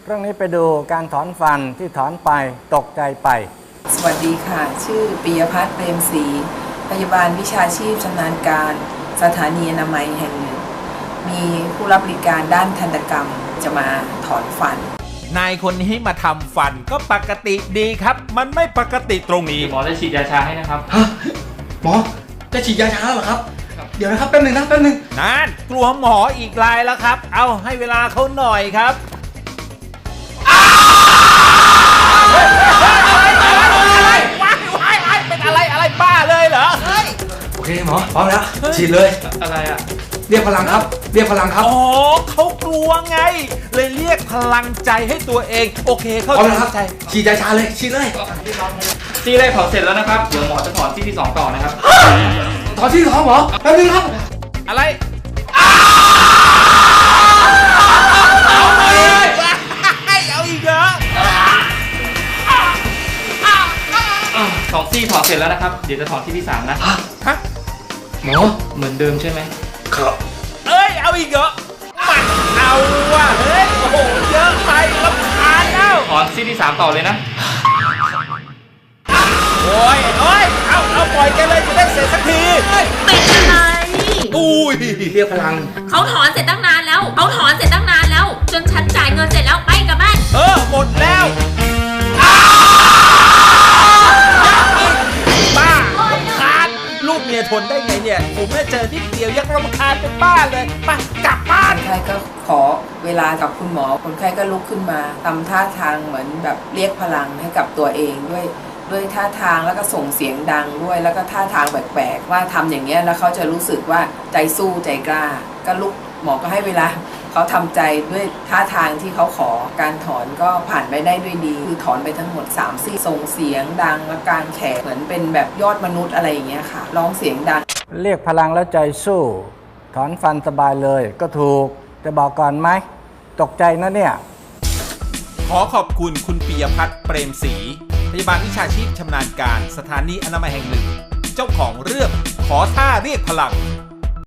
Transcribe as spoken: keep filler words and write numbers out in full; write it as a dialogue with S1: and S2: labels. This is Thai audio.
S1: เรื่องนี้ไปดูการถอนฟันที่ถอนไปตกใจไป
S2: สวัสดีค่ะชื่อปิยพัฒน์เปรมศรีพยาบาลวิชาชีพชำนาญการสถานีอนามัยแห่งหนึ่งมีผู้รับบริการด้านทันตกรรมจะมาถอนฟัน
S3: นายคนนี้มาทำฟันก็ปกติดีครับมันไม่ปกติตรงนี้
S4: หมอจะฉีดยาชาให้นะครับ
S5: ฮะหมอจะฉีดยาชาเหรอครับเดี๋ยวนะครับแป๊บนึงนะแป๊บนึง
S3: นั่นกลัวหมออีกรายแล้วครับเอาให้เวลาเขาหน่อยครับเป็นอะไรอะไรบ้าเลยเหรอ
S5: โอเคหมอพร้อมแล้วฉีดเลย
S4: อะไรอ่ะ
S5: เรียกพลังครับเรียกพลังครับ
S3: อ๋อเขากลัวไงเลยเรียกพลังใจให้ตัวเองโอเคเข้า
S5: ใจฉีดยาชาเลยฉีดเลย
S4: ซี่แรกถอนเสร็จแล้วนะครับเดี๋ยวหมอจะถอนซี่ที่สองต่อนะครับ
S5: ถอนซี่ที่สองหมอแป๊บนึงครับ
S3: อะไรเอาอีกเหรอ
S4: สองซี่ถอนเสร็จแล้วนะครับเดี๋ยวจะถอนซี่ที่สามนะ
S3: ฮะ
S5: หมอ
S4: เหมือนเดิมใช่ไหม
S5: ครับ
S3: เอ้ยเอาอีกเหรอมันเอาว่ะเฮ้ยโอ้โหเยอะไปรำคาญแล้ว
S4: ถอนซี่ที่สามต่อเลยนะ
S3: โอ้ยโอ้ยเอาเอาปล่อยแกเลยจะได้เสร็จสักที
S6: เป็นอะไร
S3: อุ้ย
S5: เรียกพลัง
S6: เขาถอนเสร็จตั้งนานแล้วเขาถอนเสร็จตั้งนานแล้วจนฉันจ่ายเงินเสร็จแล้วไปกลับบ้าน
S3: เออหมดแล้วบ้ารำคาญลูกเมียทนได้ไงเนี่ยผมแค่เจอนิดเดียวยังรำคาญเป็นบ้าเลยไปกลับบ้าน
S2: คนไข้ก็ขอเวลากับคุณหมอคนไข้ก็ลุกขึ้นมาทำท่าทางเหมือนแบบเรียกพลังให้กับตัวเองด้วยด้วยท่าทางแล้วก็ส่งเสียงดังด้วยแล้วก็ท่าทางแปลกๆว่าทำอย่างเงี้ยแล้วเขาจะรู้สึกว่าใจสู้ใจกล้าก็ลุกหมอก็ให้เวลาเขาทำใจด้วยท่าทางที่เขาขอการถอนก็ผ่านไปได้ด้วยดีคือถอนไปทั้งหมดสามซี่ส่งเสียงดังและการแขกเหมือนเป็นแบบยอดมนุษย์อะไรอย่างเงี้ยค่ะร้องเสียงดัง
S1: เรียกพลังแล้วใจสู้ถอนฟันสบายเลยก็ถูกจะบอกก่อนไหมตกใจนะเนี่ย
S3: ขอขอบคุณคุณปิยพัฒน์เปรมศรีพยาบาลวิชาชีพชำนาญการสถานีอนามัยแห่งหนึ่งเจ้าของเรื่องขอท่าเรียกพลัง